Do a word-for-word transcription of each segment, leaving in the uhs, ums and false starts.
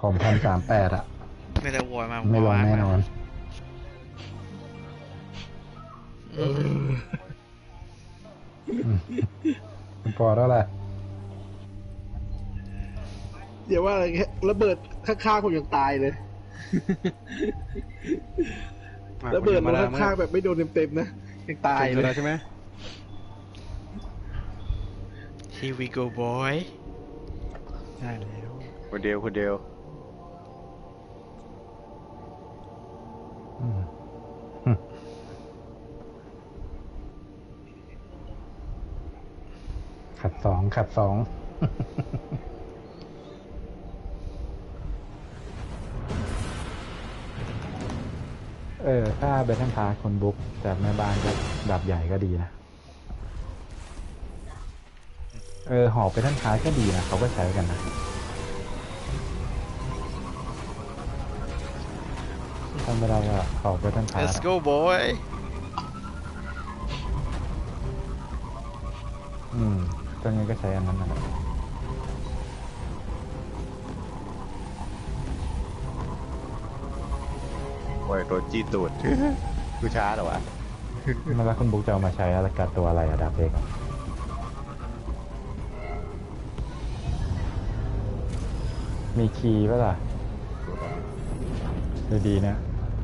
ผมพันสามแปดอะไม่ได้วอยมาไม่ลงแน่นอนพอแล้วแหละเดี๋ยวว่าอะไรเงี้ยระเบิดข้างๆผมยังตายเลยระเบิดมาข้างๆแบบไม่โดนเต็มๆนะยังตายเลยใช่ไหม Here we go boy ใช่แล้วคนเดียวคนเดียวขัดสองขัดสองเออถ้าเบทเทิลพาสคนบุ๊กแต่แม่บ้านก็ดับใหญ่ก็ดีนะเออหอบเบทเทิลพาสก็ดีนะเขาก็ใช้กันนะทำไม่ได้ก็หอบเบทเทิลพาส Let's go boy อืมตอนนี้ก็ใช้อันนั้นนะโอ้ยโดนจี้ตูดกูช้าเหรอวะมาแล้วคุณบุ๊กจะเอามาใช้อะไรกับตัวอะไรอะดาบเด็กมีคีย์ป่ะล่ะดูดีนะ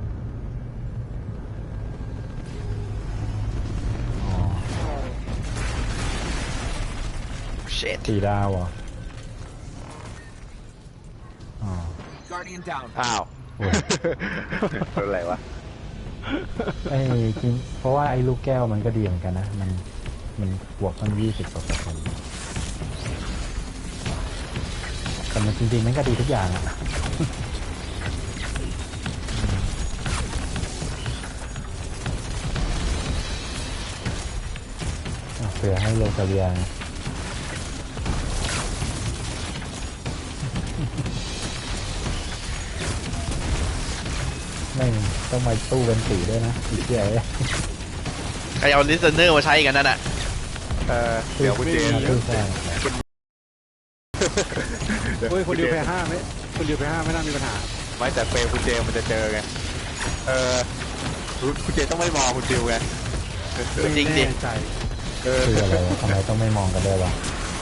สีดาวเหรออ๋ออ้าวเป็นอะไรวะไอ้จริงเพราะว่าไอ้ลูกแก้วมันก็ดีเหมือนกันนะมันมันบวกตั้งยี่สิบกว่าเปอร์เซ็นต์แต่มันจริงๆมันก็ดีทุกอย่างอะเผื่อให้โลกาเวียไม่ต้องมาตู้เป็นสีด้วยนะอีกเดียวใครเอา listener มาใช้กันนั่นน่ะเออเดี๋ยวคุณเจนเฮ้ยคนเดียวแพ้ห้าไหมคนเดียวแพ้ห้าไม่น่ามีปัญหาไม่แต่เฟรมคุณเจมันจะเจอไงเออคุณเจต้องไม่มองคุณดิวไงจริงดิเออคืออะไรทำไมต้องไม่มองกันด้วยวะ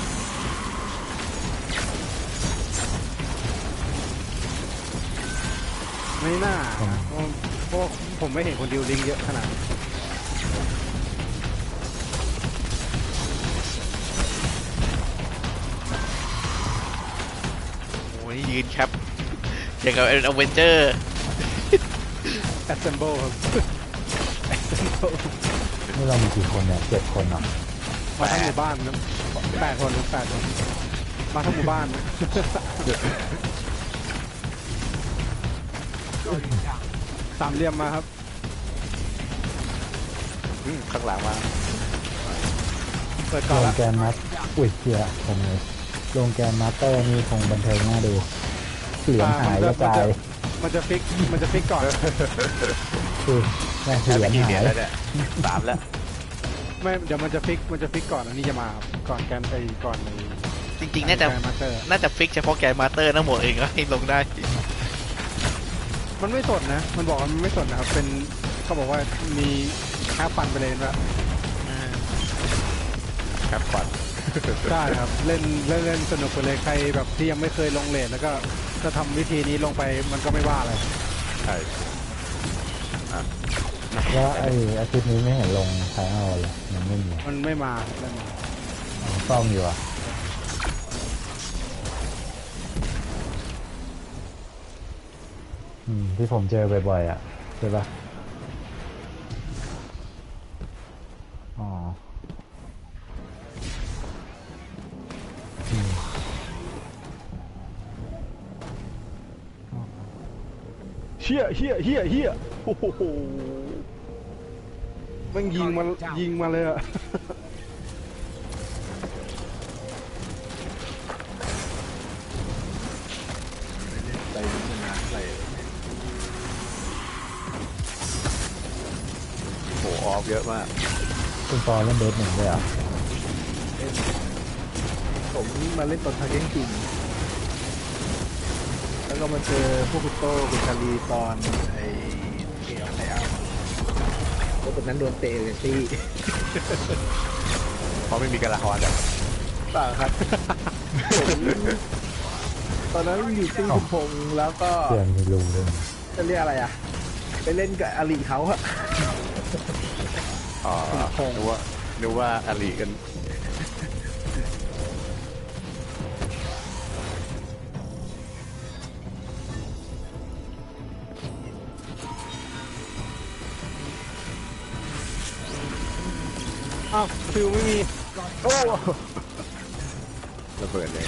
ไม่น่าเพราะผมไม่เห็นคนดิวลิงเยอะขนาดนี้โอ้ยยืนแคปอย่างกับเป็นอเวนเจอร์ assemble ครับ assemble นี่เรามีกี่คนเนี่ยเจ็ดคนเหรอมาทั้งหมู่บ้านนะแปดคนแปดคนมาทั้งหมู่บ้านสามเหลี่ยมมาครับข้างหลังมาเปิดก่อนลละงแกนมัสอุ้ยเสียผมเลยลงแกนมาสเตอร์นี่คงบันเทิงน่าดูเหลืองหายกระจายมันจะฟิกมันจะฟิกก่อนคือแม่เหลืองหายแล้วเนี่ยสามแล้วไม่เดี๋ยวมันจะฟิกมันจะฟิกก่อนอันนี้จะมาก่อนแกนไปก่อนเลยจริงๆน่าจะน่าจะฟิกเฉพาะแกนมาสเตอร์ทั้งหมดเองก็ให้ลงได้มันไม่สดนะมันบอกว่ามันไม่สดนะครับเป็นเขาบอกว่ามีแค่ฟันไปเลยนะแค่ฟันได้ครับเล่นเล่นเล่นสนุกไปเลยใครแบบที่ยังไม่เคยลงเลนแล้วก็จะทำวิธีนี้ลงไปมันก็ไม่ว่าอะไรใช่แล้วไอ้อาทิตย์นี้ไม่เห็นลงใช้เอาเลยมันไม่มีมันไม่มาไม่มาซ่อมอยู่อ่ะอืมที่ผมเจอบ่อยๆอ่ะใช่ปะอ๋อเฮียเฮียเฮียเฮียโอ้โหมันยิงมายิงมาเลยอะออฟเยอะมากคุณปอเล่นเบสหนึ่งด้วยอ่ะผมมาเล่นตอนทาเก้นจริงแล้วแล้วก็มาเจอพวกคุณโต้คุณชาลีตอนไอ้เกี่ยวไอ้อาพวกคนนั้นโดนเตะเลยซี่เพราะไม่มีกระลาฮอนอ่ะเปล่าครับ ผมตอนนั้นอยู่ติ้งคุณพงษ์แล้วก็เสียงมีรูเลยจะเรียกอะไรอ่ะ ไปเล่นกับอลีเขาอะอ๋อนึกว่านึกว่าอาลีกันอ้าวฟิวไม่มี โอ้ระเบิดเลย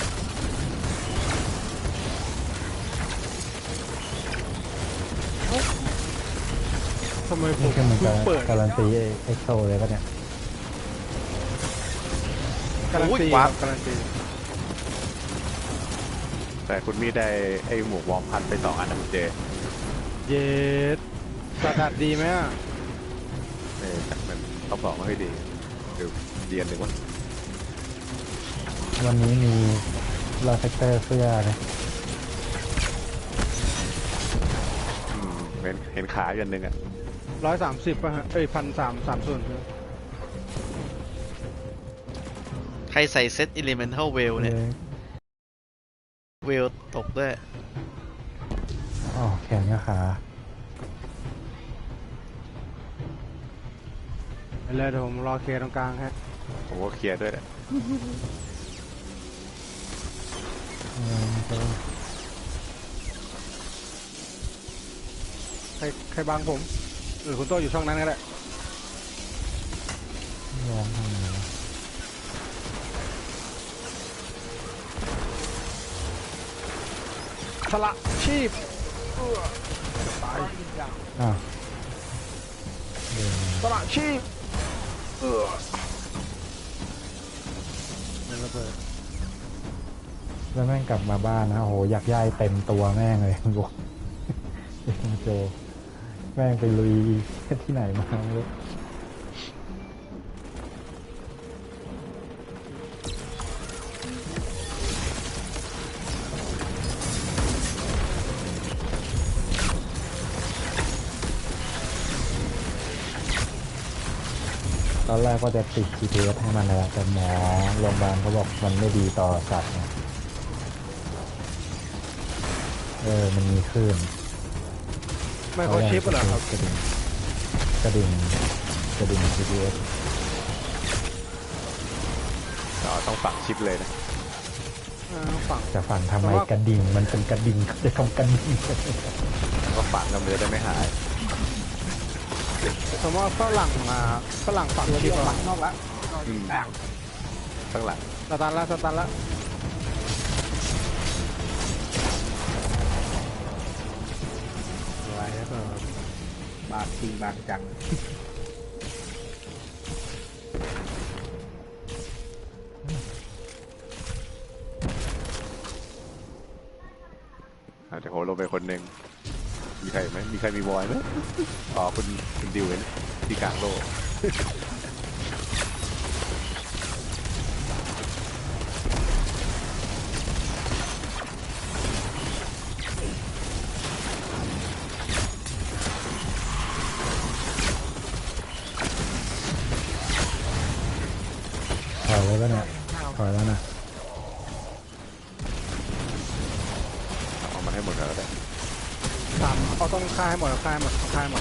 ทำไมผนี่มคือมันเพิ่กางเปิดการันตีเอ็กโซเลยปะเนี่ยการันตีอุ้ยว้าวการันตีแต่คุณมีได้ไอ้หมวกวอร์มพันไปสองอันนะคุณเจเย็ดสะดัดดีไหมอ่ะเออแต่มันเขาบอกว่าให้ดีเดี๋ยวเรียนหนึ่งว่าวันนี้มีลาเฟกเตอร์เสื้อนะอืมเห็นเห็นขาอยู่อันหนึ่งอ่ะร้อยสามสิบป่ะฮะ เอ้ยพันสามสามส่วนใครใส่เซต Elemental w e l เนี่ย เวลตกด้วยอ๋อแขนกับขาไปเลยเดี๋ยวผมรอเคลียร์ตรงกลางฮะผมก็เคลียร์ด้วยแหละอืมก็ใครใครบังผมหรือคุณโต้อยู่ช่องนั้นก็ได้ลองทำไงวะสละชีพเอื้อจะตายอ้าวเดินสละชีพเอื้อเดินระเบิดแล้วแม่งกลับมาบ้านนะโอ้โหอยากย่ายเต็มตัวแม่งเลยบอกเจแม่งไปลุยที่ไหนมาไม่รู้ ตอนแรกก็จะติด จี พี เอส ให้มันแล้วแต่หมอโรงพยาบาลเขาบอกมันไม่ดีต่อสัตว์ไงเออ มันมีคลื่นไม่เขาชิปเหรอครับกระดิ่งกระดิ่งกระดิ่ง จี พี เอสอ๋อต้องฝังชิปเลยนะอ่าฝั่งจะฝังทำไมแต่ว่ากระดิ่ง มันเป็นกระดิ่งจะทำกระดิ่งแล้วก็ฝังกันเลยได้ไม่หายสมมติว่าฝรั่งมาฝรั่งฝั่งชิปเหรอนอกละอืมข้างหลังสตันละสตันละไว้แล้วก็บางจริงบางจังอาจจะโหลงไปคนหนึ่งมีใครไหมมีใครมีบอยไหมอ๋อคุณคุณดิวเห็นที่กลางโลกถอยแล้วก็เนี่ยถอยแล้วนะเอามันให้หมดแล้วได้สามเอาต้องฆ่าให้หมดฆ่าให้หมดฆ่าให้หมด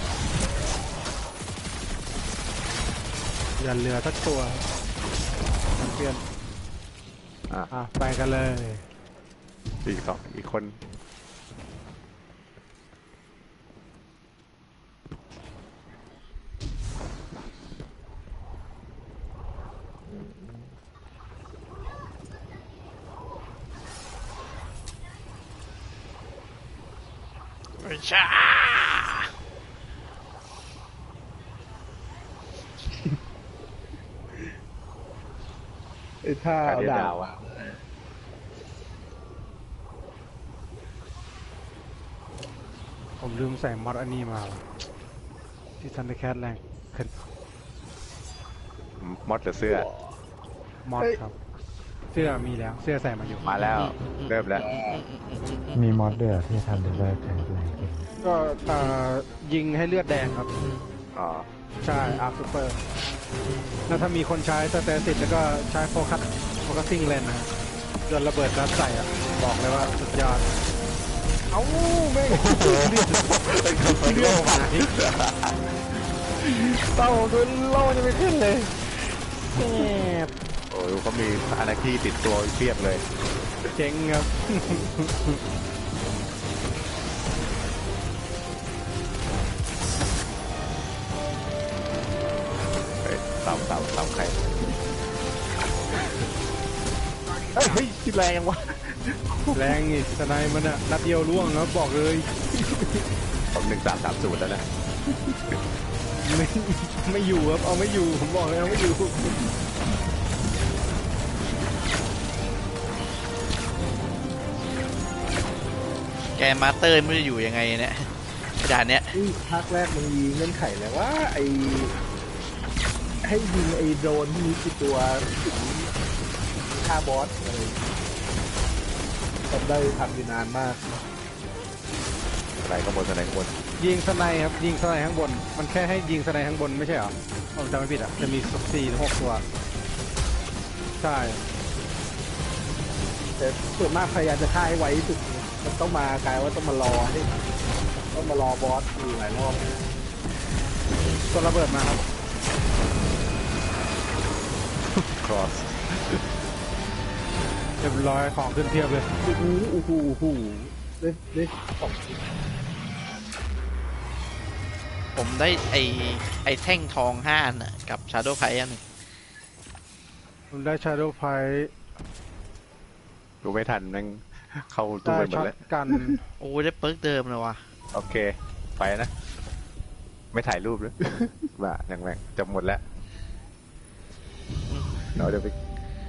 อย่าเหลือสักตัวมันเปลี่ยนอ่ะอ่ะไปกันเลยอีกสองอีกคนชาไอ้ท่าการเอาเรียนดาดาววอ่ะผมลืมใส่มอดอันนี้มาว่ะที่ทันเดอร์แคทแรงขึ้นมอดหรือเสื้อมอดครับเจสื้อมีแล้ว เสื้อใส่มาอยู่มาแล้วเริ่มแล้วมีมอดด้วยเหรอที่ทำเลเวลแข็งแรงขึ้นก็เอ่อยิงให้เลือดแดงครับอ๋อใช่อาร์ซูเปอร์แล้วถ้ามีคนใช้สเตติสแล้วก็ใช้โฟกัสโฟกัสซิ่งเลนนะฮะโดนระเบิดรัดใส่อ่ะ บอกเลยว่าสุดยอด เอ้าแม่งเลือดหายเต้าโดนโล่จะไม่ขึ้นเลยแอบโอ้ยเขามีอาณาคีติดตัวเพียบเลยเจ๋งครับเฮ้ยเสาเสาเสาใครเฮ้ยเฮ้ยคิดแรงยังวะแรงอีกสไนมันอะนัดเดียวล่วงครับบอกเลยผมหนึ่งสามสามศูนย์แล้วนะไม่ไม่อยู่ครับเอาไม่อยู่ผมบอกเลยเอาไม่อยู่แกมาสเตอร์ไม่รู้จะอยู่ยังไงเนี่ยด่านเนี้ยนี่ภาคแรกมันมีเงื่อนไขแล้วว่าไอให้ยิงไอโดรนที่มีกี่ตัวถึงฆ่าบอสอะไรทำได้ทำอยู่นานมากอะไรก็บนอะไรก็บนยิงสไนครับยิงสไนข้างบน มันแค่ให้ยิงสไนข้างบนไม่ใช่เหรอผมจำไม่ผิดอ่ะจะมีสี่ถึงหกตัวใช่แต่ส่วนมากพยายามจะฆ่าให้ไวที่สุดมันต้องมากลายว่าต้องมารอให้ต้องมารอบอสอยู่หลายรอบตัวระเบิดมาครับครอสเรียบร้อยของขึ้นเพียบเลยโอ้โหโอ้โหโอ้โหได้ได้สองชิ้นผมได้ไอไอแท่งทองห้าอันน่ะกับชาร์โดว์ไพอันหนึ่งผมได้ชาร์โดว์ไพดูไม่ทันนั่งเข้าตู้ได้ไปหมดช็อตแล้วกันโอ้ได้เปิร์กเดิมเลยว่ะโอเค ไปนะ ไม่ถ่ายรูปเลย บ้าแรงแรงจะหมดแล้วเราเดี๋ยวไป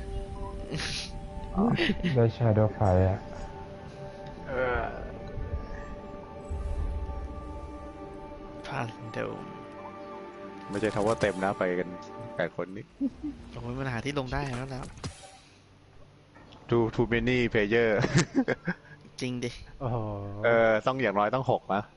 อ๋อได้ชาโดว์ไฟอะเออพาเดิมไม่ใช่ทาวเวอร์เต็มนะไปกันแปดคนนี้โอ้ยมันหาที่ลงได้แล้วแล้ว too too many player จริงดิโอ้โหเออต้องอย่างน้อยต้องหกนะ